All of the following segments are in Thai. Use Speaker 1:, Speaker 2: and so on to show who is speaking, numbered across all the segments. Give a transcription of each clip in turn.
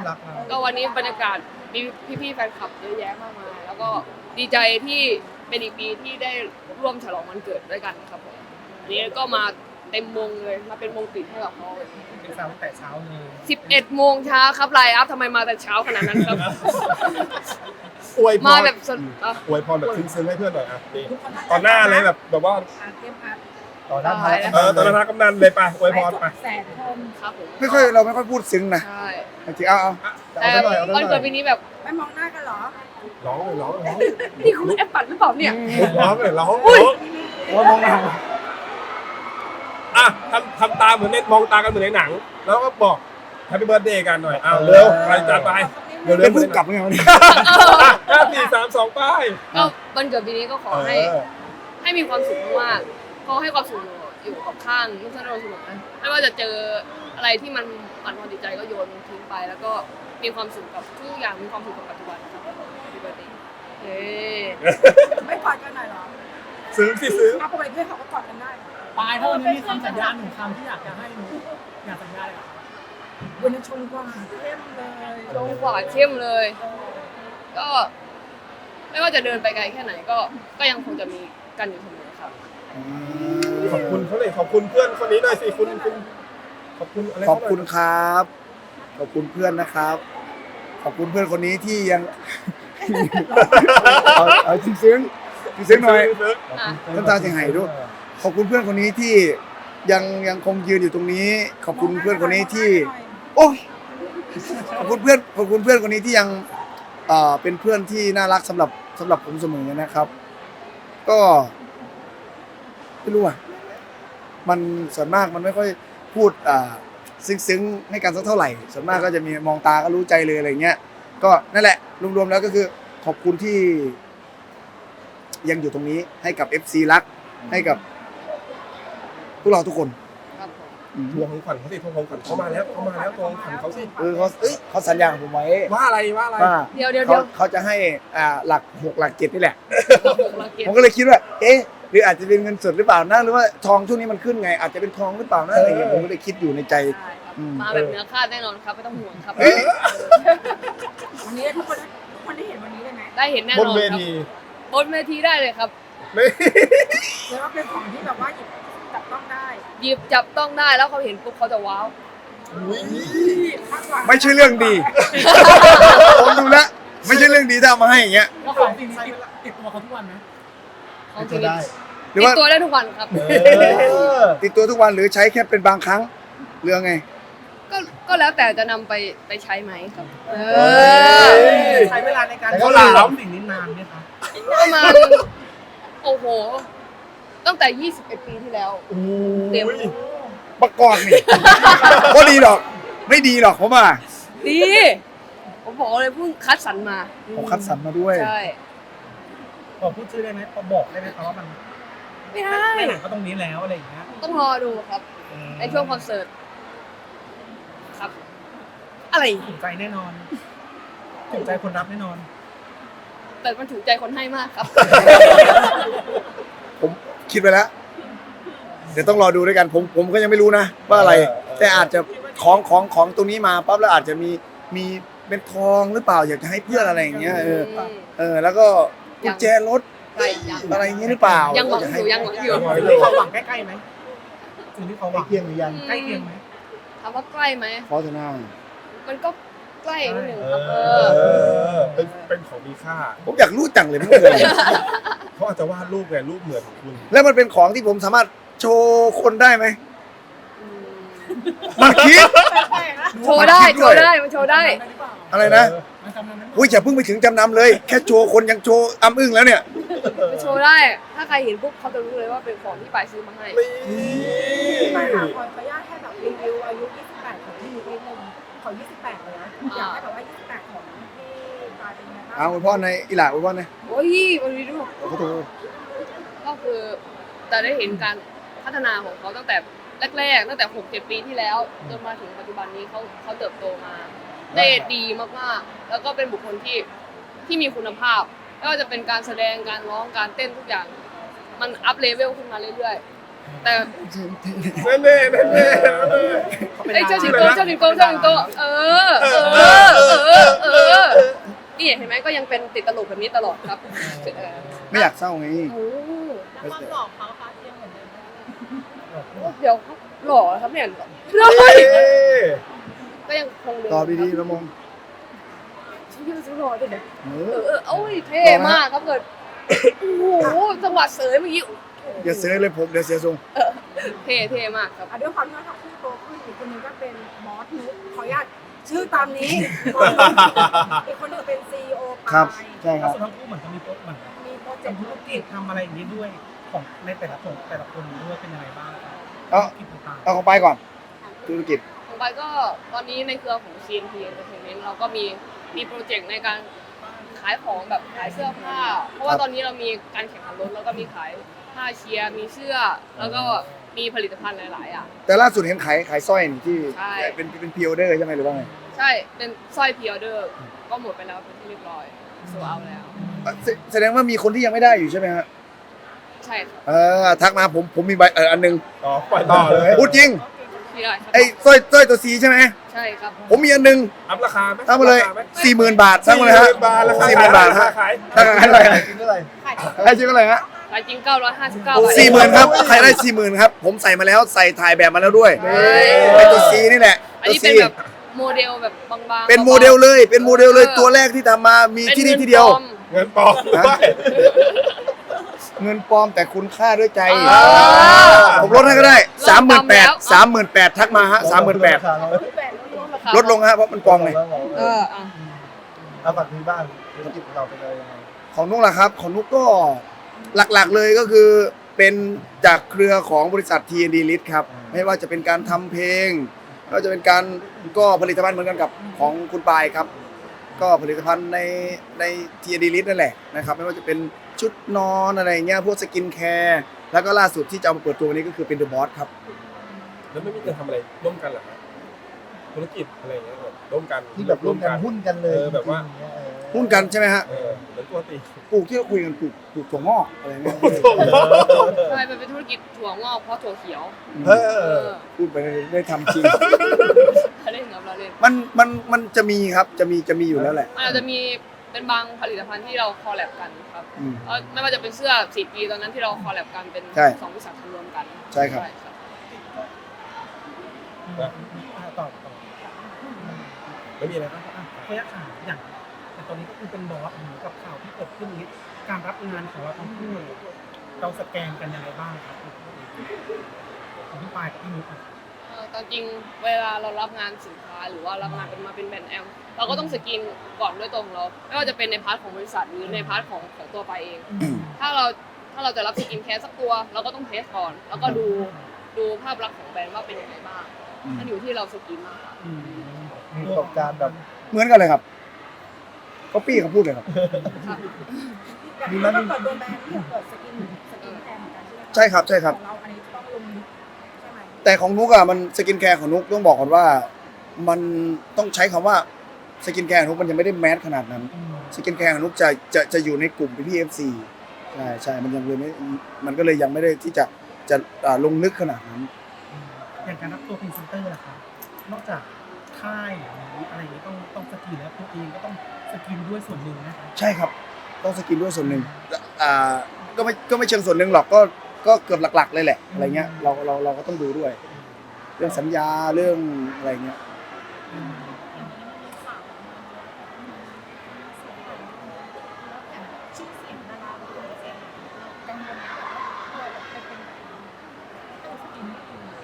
Speaker 1: อนรับเรา
Speaker 2: ก็วันนี้บรรยากาศมีพี่ๆแฟนคลับเยอะแยะมากมายแล้วก็ดีใจที่เป็นอีกปีที่ได้ร่วมฉลองวันเกิดด้วยกันครับผมอันนี้ก็มาเต็มวงเลยมาเป็นวงปิดให้กับเขา
Speaker 1: เป็นสาวตั้งแต่เช้าเลย
Speaker 2: 11 โมงเช้าครับไลน์อัพทำไมมาแต่เช้าขนาดนั้นครับ
Speaker 3: อวยพ
Speaker 2: มาร แบบสดอ่ะ
Speaker 3: อวยพรแบบซึ้งๆให้เพื่อนหน่อยอ่ะนี่ตอนหน้าเลยแบบว่า
Speaker 1: ต่อหน้าพระ
Speaker 3: ตอนหน้ากำนันเลยป่ะอวยพรไป
Speaker 4: แสนคน
Speaker 2: ครับผม
Speaker 5: เราไม่ค่อยพูดซึ้งนะ
Speaker 2: ใช่
Speaker 5: จริงๆเอา
Speaker 2: แต่วันเกิดปีนี้แบบ
Speaker 4: ไม่มองหน้ากันเหรอ
Speaker 3: ร้องเลยร้อง
Speaker 2: นี่คุณแอปปัดหรือเปล่าเนี่ย
Speaker 3: ร้องเลยร้อง
Speaker 5: ว่ามองหน้า
Speaker 3: อ่ะทำตาเหมือนในมองตากันเหมือนในหนัง แล้วก็บอกแฮปปี้เบิร์ดเดย์กันหน่อยอ้าวเร็วไปจัดไปเร็ว
Speaker 5: เป็นผู้กลับไงวันนี้
Speaker 3: 5 4 3 2ป้าย
Speaker 2: ก็วันเกิดปีนี้ก็ขอให้มีความสุขมากๆก็ให้ความสุขอยู่กับข้างนุ่งสั้นโดนสนุกนะไม่ว่าจะเจออะไรที่มันปั่นความจิตใจก็โยนทิ้งไป แล้วก็มีความสุขกับทุกอย่างมีความสุขกับปัจจุบันครับพี่เบิร์ดเดย์เฮ้
Speaker 4: ไม่กอดกันหน่อยเหรอ
Speaker 3: ซื้อสิซื้อ
Speaker 4: เอาปกติเพื่อนเขาก็กอดกันได้
Speaker 1: ปลายถ้าวันนี้มีคำสัญญา1 คำที่อยากจะให้หนูอยากสัญญาอะไร
Speaker 4: วันนี้ชมกว่าเข้มเลย
Speaker 2: ลงกว่าเข้มเลย ก็ไม่ว่าจะเดินไปไกลแค่ไหนก็ยังคงจะมีกันอยู่เสมอครับ
Speaker 3: ขอบคุณเขาเลยขอบคุณเพื่อนคนนี้หน่อยสิคุณขอบคุณอะไร
Speaker 5: ขอบคุณครับ ขอบคุณเพื่อนนะครับ ขอบคุณเพื่อนคนนี้ที่ยัง เอาซึ้งหน่อย น้ำตาจะไหลด้วย ขอบคุณเพื่อนคนนี้ที่ยังคงยืนอยู่ตรงนี้ ขอบคุณเพื่อนคนนี้ที่ โอ้ยขอบคุณเพื่อนคนนี้ที่ยังเป็นเพื่อนที่น่ารักสำหรับผมเสมอนะครับ ก็ไม่รู้อ่ะมันส่วนมากมันไม่ค่อยพูดซึ้งให้กันสักเท่าไหร่ส่วนมากก็จะมีมองตาก็รู้ใจเลยอะไรเงี้ยก็นั่นแหละรวมๆแล้วก็คือขอบคุณที่ยังอยู่ตรงนี้ให้กับ FC รักให้กับพวกเราทุกคน
Speaker 2: ครับผม
Speaker 3: ทวงของขวัญเขาสิทวงของขวัญเขามาแล้วทวงของขวัญเขาสิ
Speaker 5: เขาสัญญากับผมไว้
Speaker 3: ว่าอะไรว่า
Speaker 2: เดี๋ยว
Speaker 5: เขาจะให้หลัก6หลัก7นี่แหละ
Speaker 2: เราเก็บ
Speaker 5: ผมก็เลยคิดว่า เอ๊ะ หรืออาจจะเป็นเงินสดหรือเปล่านะ หรือว่าทองช่วงนี้มันขึ้นไง อาจจะเป็นทองหรือเปล่านะอะไรอย่างเงี้ยผมก็เลยคิดอยู่ในใจ
Speaker 2: ใช่ครับมาแบบเนื้อคาดแน่นอนครับไม่ต้องห่วงครับ
Speaker 4: วันนี้ทุกคนได้เห็นวันนี้เลยไหม
Speaker 2: ได้เห็นแน่น
Speaker 3: บ
Speaker 2: อน น
Speaker 3: เว
Speaker 2: ครับ
Speaker 3: ที
Speaker 2: บนเวทีได้เลยครับ
Speaker 3: ไม่
Speaker 4: เรียกว่าเป็นของที่แบบว่าหยิบจับต้องได้
Speaker 2: หยิบจับต้องได้แล้วเขาเห็นปุ๊บเขาจะว้าว
Speaker 4: มากกว่า
Speaker 5: ไม่ใช่เรื่องดี ผมดูแล้ว ไม่ใช่เรื่องดีถ้าเอามาให้อย่างเงี้ย
Speaker 1: แล้วของสิ่งนี้ติดตัวเขาทุกวันไหม
Speaker 2: ของชีวิต
Speaker 5: หรือ
Speaker 2: ติด
Speaker 5: ว่า
Speaker 2: ตัวได้ทุกวันครับ
Speaker 5: ติดตัวทุกวันหรือใช้แค่เป็นบางครั้งเรื่องไง
Speaker 2: ก็แล้วแต่จะนำไปใช้ไหมครับ
Speaker 1: ใช้เวลาในการสิ่งนี้นานไหมคะ
Speaker 2: ประมาณโอ้โห ตั้งแต่ 21 ปีที่แล้วเต็ม
Speaker 5: ประกอบนี่ ก็ดีหรอก ไม่ดีหรอกผมว่า
Speaker 2: ดีผมบอกเลยเพิ่งคัดสรรมา
Speaker 5: ผมคัดสรรมาด้วย
Speaker 2: ใช่
Speaker 1: พอพูดชื่อได้ไหมพอบอกได้ไหมครับว่ามัน
Speaker 2: ไม่ได้
Speaker 1: ในหนังก็ตรงนี้แล้วอะไรอย่างเงี้ย
Speaker 2: ต้องรอดูครับในช่วงคอนเสิร์ตครับ อะไร
Speaker 1: ถูกใจแน่นอนถูกใจคนรับแน่นอน
Speaker 2: แต่มันถูกใจคนให้มากครับ
Speaker 5: ผมคิดไปแล้ว เดี๋ยวต้องรอดูด้วยกัน ผมก็ยังไม่รู้นะว่าอะไร แต่อาจจะของตรงนี้มาปั๊บแล้วอาจจะมีเป็นทองหรือเปล่าอยากจะให้เพื่อนอะไรอย่างเงี้ยแล้วก็กุญแจรถ
Speaker 2: ใกล้ยัง
Speaker 5: อะไรอย่างเงี้ยหรือเปล่า
Speaker 2: ยังหวังอยู่ยังหวังอยู่
Speaker 1: สิ่งที่เขาหวังใกล้ๆไหมสิ่งที่เขาหวัง
Speaker 5: เคียงหรือยัง
Speaker 1: ใกล้เคียงไหม
Speaker 2: ถามว่าใกล้ไหม
Speaker 5: ขอเถอะนะ
Speaker 2: มันก็ใกล้นิดหนึ่งครับ
Speaker 3: เป็นของมีค่า
Speaker 5: ผมอยากรู้จังเลยมันคืออะไร
Speaker 3: เขาอาจจะวาดรูปไงรูปเหมือนของคุณ
Speaker 5: แล้วมันเป็นของที่ผมสามารถโชว์คนได้ไหม
Speaker 2: อืม
Speaker 5: มันคิด
Speaker 4: แปลกๆนะ
Speaker 2: โชว์ได้มันโชว์ได้
Speaker 1: จำนำได้หรือเปล่า
Speaker 5: อะไรนะ
Speaker 1: มันจำนำได้หรือเปล่า
Speaker 5: อุ้ยอย่าเพิ่งไปถึงจำนำเลย แค่โชว์คนยังโชว์อ้ำอึ้งแล้วเนี่ย
Speaker 2: มันโชว์ได้ ถ้าใครเห็นปุ๊บเขาจะรู้เลยว่าเป็นของที่ปายซื้อมาให้
Speaker 4: ไม่ค่ะขออนุญาตแค่แบบรีวิวอายุ 28 ของพี่นิดนึงขอ 28 เลยนะอยากให้แบบว่า 28 ของพี่ปาเป็นยังไงบ้าง
Speaker 5: เอาอวยพ่อในอีหล่าอวยพ่อใน
Speaker 2: โอ้ยมันมีรูป
Speaker 5: ขอโทษ
Speaker 2: ก็คือจะได้เห็นการพัฒนาของเขาตั้งแต่แรกๆตั้งแต่ 6-7 ปีที่แล้วจนมาถึงปัจจุบันนี้เขาเติบโตมาได้ดีมากๆ แล้วก็เป็นบุคคลที่มีคุณภาพไม่ว่าจะเป็นการแสดงการร้องการเต้นทุกอย่าง มันอัพเลเวลขึ้นมาเรื่อยๆแต่
Speaker 3: แน่แน่แน่
Speaker 2: ไอ้ยเจ้าสิงโตนี่เห็นไหมก็ยังเป็นติดตลกแบบนี้ตลอดครับ
Speaker 5: ไม่อยากเศร้าไง
Speaker 2: โอ้
Speaker 4: แล้วความหล่อเขาคะยังเหมือนเดิมไหม
Speaker 2: เดี๋ยวหล่อครับเนี่ย
Speaker 3: เฮ้ย
Speaker 2: ก็ยังคงเดิม
Speaker 5: ตอบดีๆนะมง
Speaker 2: ฉันยังหล่อด้วยเนี่ย
Speaker 5: เอ
Speaker 2: โอ้ยเท่มากครับเกิดโอ้โหจังหวะเสยเมื่อกี้
Speaker 5: อย่าเสียเลยผมเดี๋ยวเสียทรง
Speaker 2: เท่มากครับ
Speaker 4: ด้วยความที่ว่าทั้งคู่โตขึ้นอีกคนนึงก็เป็นบอสนุ๊กขออนุญาตชื่อตามนี้อีกคนนึงเป็นซีอีโอ
Speaker 5: ครับใช่ค
Speaker 1: แล้
Speaker 5: รั
Speaker 1: ว
Speaker 5: บ
Speaker 1: สุดท้ายคู่เหมือนจะมีโปรเหมือน
Speaker 4: มีโปรเจก
Speaker 1: ทำ
Speaker 4: ต์
Speaker 1: ธุรกิจทำอะไรอย่างนี้ด้วยของในแต่ละคนด้วยเป็นยังไงบ้างครับ
Speaker 5: เอา
Speaker 1: ธุรกิจต่างๆ
Speaker 5: เอาของไปก่อนธุรกิจ
Speaker 2: ของไปก็ตอนนี้ในเครือของ CNP Entertainment เราก็มีโปรเจกต์ในการขายของแบบขายเสื้อผ้า เพราะว่าตอนนี้เรามีการแข่งขันรถแล้วก็มีขายผ้าเชียร์มีเสื้อ แล้วก็มีผลิตภัณฑ์หลายๆอ่ะ
Speaker 5: แต่ล่าสุดเห็นขายสร้อยนี่ที่
Speaker 2: ใช่
Speaker 5: เป็นพิออเดอร์ใช่ไหมหรือว่าไง
Speaker 2: ใช่เป็นสร้อยพรีออเดอร์ก็หมดไปแล้วเป็นที่เรียบร้อยโซเอาแล้ว
Speaker 5: แสดงว่ามีคนที่ยังไม่ได้อยู่ใช่ไหมฮะ
Speaker 2: ใช่ครับ
Speaker 5: ทักมาผมมีใบอันหนึง
Speaker 3: ต่อปล่อยต่อเลย
Speaker 5: พูดจริง
Speaker 2: ที่ได้ครับ
Speaker 5: ไอ้สร้อยตัวสีใช่ไหม
Speaker 2: ใช่ครับ
Speaker 5: ผมมีอันหนึง
Speaker 3: อัพราคาไหม
Speaker 5: ทั้งมาเลย
Speaker 3: อัพรคไหม
Speaker 5: 40,000 บาททั้งมาเลยฮะ
Speaker 3: 40,000 บาทราคา
Speaker 5: 40,000 บาทฮะ
Speaker 3: ขาย
Speaker 5: ถ้าใครได้
Speaker 3: กินเท่าไหร่
Speaker 5: ให้ชื่ออะไรฮะ
Speaker 2: ขายจริง959 บาท
Speaker 5: 40,000ครับใครได้ 40,000ครับผมใส่มาแล้วใส่ถ่ายแบบมาแล้วด้วย
Speaker 2: เฮ้ย
Speaker 5: ไอ้ตัวสีนี่แหละ
Speaker 2: อัน
Speaker 5: ตัว
Speaker 2: นี้
Speaker 5: สี
Speaker 2: เป็นแบบโมเดลแบบบางๆ
Speaker 5: เป็นโมเดลเลยเป็นโมเดลเลยตัวแรกที่ทำมามีที่นี่ที่เดียว
Speaker 3: เงินปลอมด้วย
Speaker 5: เงินปลอมแต่คุณค่าด้วยใจ
Speaker 2: อ่า
Speaker 5: ผมลดให้ก็ได้ 38,000ทักมาฮะ 38,000ลดลงฮะเพราะมันปลอมไง
Speaker 6: เอาฝั่งนี้บ้างธุรกิจของเราเป็นอะไรยังไง
Speaker 5: ของนุ๊กล่ะครับของนุ๊กก็หลักๆเลยก็คือเป็นจากเครือของบริษัท TND List ครับไม่ว่าจะเป็นการทำเพลงไม่ว่าจะเป็นการก็ผลิตภัณฑ์เหมือนกันกับของคุณปายครับ ก็ผลิตภัณฑ์ใน TND List นั่นแหละนะครับไม่ว่าจะเป็นชุดนอนอะไรเงี้ยพวกสกินแคร์แล้วก็ล่าสุดที่จะเอามาเปิดตัววันนี้ก็คือเป็น The Boss ครับ
Speaker 3: แล้วไม่มีจะทำอะไรร่วมกันเหรอครับธุรกิจอะไรอย่างเงี้ยแบบร่วมกัน
Speaker 6: ที่แบบร่วมกันหุ้นกันเลย
Speaker 3: แบบว่า
Speaker 6: จริงๆเนี่ย
Speaker 5: หุ้นกันใช่ไหมฮะ
Speaker 3: เหมือนปกติ
Speaker 5: ปลูกที่เราคุยกันปลูกถั่วงอกอะไรเงี้ย
Speaker 2: ใช่มันเป็นธุรกิจถั่วงอกเพราะถั่วเขียว
Speaker 3: เออ
Speaker 5: พูดไปได้ทำจริง
Speaker 2: เล่นครับเราเล่น
Speaker 5: มันจะมีครับจะมีอยู่แล้วแหละ
Speaker 2: มันอาจจะมีเป็นบางผลิตภัณฑ์ที่เราคอลแลบกันครับ
Speaker 5: อืม
Speaker 2: ไม่ว่าจะเป็นเสื้อ4 ปีตอนนั้นที่เราคอลแลบกันเป็น
Speaker 5: ใช่
Speaker 2: 2 บริษัทรวมกัน
Speaker 5: ใช่ครับ
Speaker 1: ต่อ
Speaker 3: ไม่มีอะไรครับ
Speaker 1: ขออนุญาตถามอย่างแต่ตอนนี้ก็คือเป็นบอสกับข่าวที่เกิดขึ้นนี้การรับงานของเราทั้งคู่เราสแกนกันยังไงบ้างครับของพี่ปายกับพี่นุ๊ก
Speaker 2: ตอนจริงเวลาเรารับงานสินค้าหรือว่ารับงานเป็นมาเป็นแบรนด์แอมเราก็ต้องสกรีนก่อนด้วยตัวของเราไม่ว่าจะเป็นในพาร์ทของบริษัทหรือในพาร์ทของตัวไปเอง ถ้าเราจะรับสกินแคร์สักตัวเราก็ต้องเทสก่อน แล้วก็ดูภาพลักษณ์ของแบรนด์ว่าเป็นยังไงบ้างมันอยู่ที่เราสกินมากกว่า
Speaker 6: มีประสบการณ์แบบ
Speaker 5: เหมือนกันเลยครับก็ปี้เขาพูดเลยครับ
Speaker 4: มีมันเปิดตัวแบรนด์ที่เปิดสกินแทนเหมือนกันใช่ไหม
Speaker 5: ใช่ครับใช่ครับ
Speaker 4: ของเราอันนี้ต้องลงใช่ไหม
Speaker 5: แต่ของนุกอะมันสกินแคร์ของนุกต้องบอกก่อนว่ามันต้องใช้คำว่าสกินแคร์ของนุกมันยังไม่ได้แมสขนาดนั้นสกินแคร์ของนุกจะอยู่ในกลุ่มพี่ FC ใช่มันยังเลยไม่มันก็เลยยังไม่ได้ที่จะลงลึกขนาดนั้น
Speaker 1: อย่างการรับตัวพรีเซนเตอร์นะครับนอกจากค่ายหรืออะไรอย่างนี้ต้องสกรีนแล้วตัวเองก็ต้องสกรีนด้วยส่วนหนึ่งนะครับ
Speaker 5: ใช่ครับต้องสกินด้วยส่วนหนึ่งก็ไม่เชิงส่วนหนึ่งหรอกก็เกือบหลักๆเลยแหละอะไรเงี้ยเราก็ต้องดูด้วย เรื่องสัญญาเรื่องอะไรเงี้ย
Speaker 4: ชื่อเสียงดาราเป็นตัวเองกังวลไหมว่าเราจะเป็นแบบต้องสกิน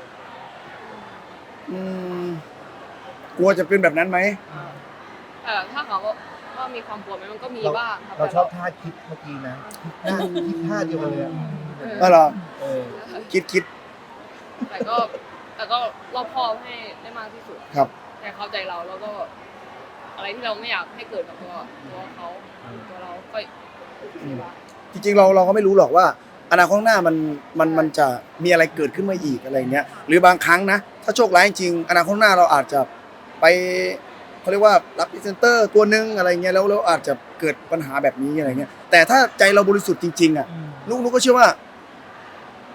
Speaker 5: กลัวจะเป็นแบบนั้นไหม
Speaker 2: ถ้าเขาว่ามีความกลัวไหมมันก็มีบ้างครับ
Speaker 6: เราชอบท่าคิดเมื่อกี้นะคิดท่าเดียวกันเลยอะ
Speaker 5: ก็เหรอ
Speaker 6: เออ
Speaker 5: คิด
Speaker 2: แต่ก็รอบคอบให้ได้มากที่สุด
Speaker 5: ครับ
Speaker 2: แต่เข้าใจเราแล้วก็อะไรที่เราไม่อยากให้เกิดกับตัวเขาตัวเราก็มีบ้าง
Speaker 5: จริงๆเราก็ไม่รู้หรอกว่าอนาคตข้างหน้ามันจะมีอะไรเกิดขึ้นมาอีกอะไรเงี้ยหรือบางครั้งนะถ้าโชคร้ายจริงอนาคตข้างหน้าเราอาจจะไปเขาเรียกว่ารับพรีเซนเตอร์ตัวนึงอะไรเงี้ยแล้วอาจจะเกิดปัญหาแบบนี้อะไรเงี้ยแต่ถ้าใจเราบริสุทธิ์จริงๆอ่ะลูกก็เชื่อว่า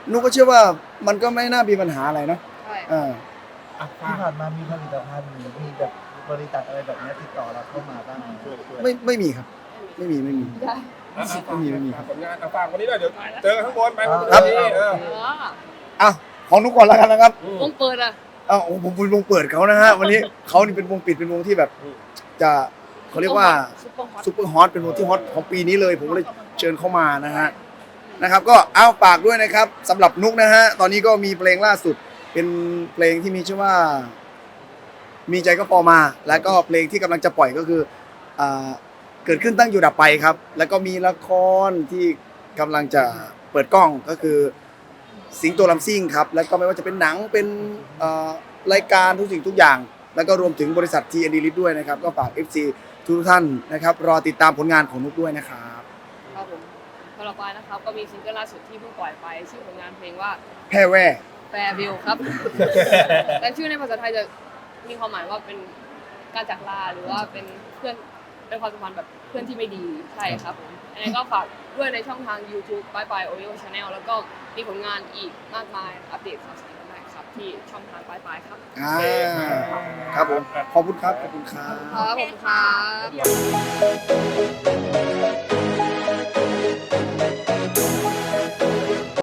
Speaker 5: นุกก็เชื่อว่ามันก็ไม่น่ามีปัญหาอะไรเนาะ
Speaker 2: ใช่
Speaker 5: อ่า
Speaker 1: อ่ะ
Speaker 6: ที่ผ่านมามีผลิตภัณฑ์หรือมีแบบบริษัทอะไรแบบเนี้ยติดต่อเราเข้ามาบ้างไหม
Speaker 5: ไม่มีครับ ไม่มี
Speaker 2: ได้
Speaker 5: ไม่มีครับ
Speaker 3: ผลงานฝากวันนี้หน่อยเดี๋ยวเจอกันข้างบนไป
Speaker 5: ครับ อ่ะของนุกก่อนแล้วกันนะครับ
Speaker 2: วงเปิดอ่ะ
Speaker 5: อ้าวผมเป็นวงเปิดเขานะฮะวันนี้เขานี่เป็นวงปิดเป็นวงที่แบบ จะเขาเรียกว่า
Speaker 2: ซุปเปอร์ฮอต
Speaker 5: ซุปเปอร์ฮอตเป็นวงที่ฮอตของปีนี้เลย ผมก็เลยเชิญเข้ามานะฮะนะครับ ก็เอาฝากด้วยนะครับสำหรับนุกนะฮะตอนนี้ก็มีเพลงล่าสุด เป็นเพลงที่มีชื่อว่า มีใจก็พอมา แล้วก็เพลงที่กำลังจะปล่อยก็คืออ่าเกิดขึ้นตั้งอยู่ดับไปครับ แล้วก็มีละครที่กำลังจะเปิดกล้องก็คือ สิงโตลำซิ่งครับ แล้วก็ไม่ว่าจะเป็นหนังเป็นรายการทุกสิ่งทุกอย่าง แล้วก็รวมถึงบริษัท TND Lit ด้วยนะครับ ก็ฝาก FC ทุกท่านนะครับ รอติดตามผลงานของนุกด้วยนะครับ
Speaker 2: ครับผมสำหรับปายนะครับก็มีซิงเกิลล่าสุดที่เพิ่งปล่อยไปชื่อผลงานเพลงว่า
Speaker 5: แพร่แว่
Speaker 2: แฟร์วิลครับ แต่ชื่อในภาษาไทยจะมีความหมายว่าเป็นการจากลาหรือว่าเป็นเพื่อนเป็นความสัมพันธ์แบบเพื่อนที่ไม่ดีใช่ครับผมอันนี้ก็ฝากด้วยในช่องทาง YouTube ปายปาย Oreo Channel แล้วก็มีผลงานอีกมากมายอัปเดตข่าวสารกันได้ครับที่ช่องทางปายปายครับ
Speaker 5: ครับผม ขอบคุณครับ ขอบคุณครับ
Speaker 2: ครับผมครับ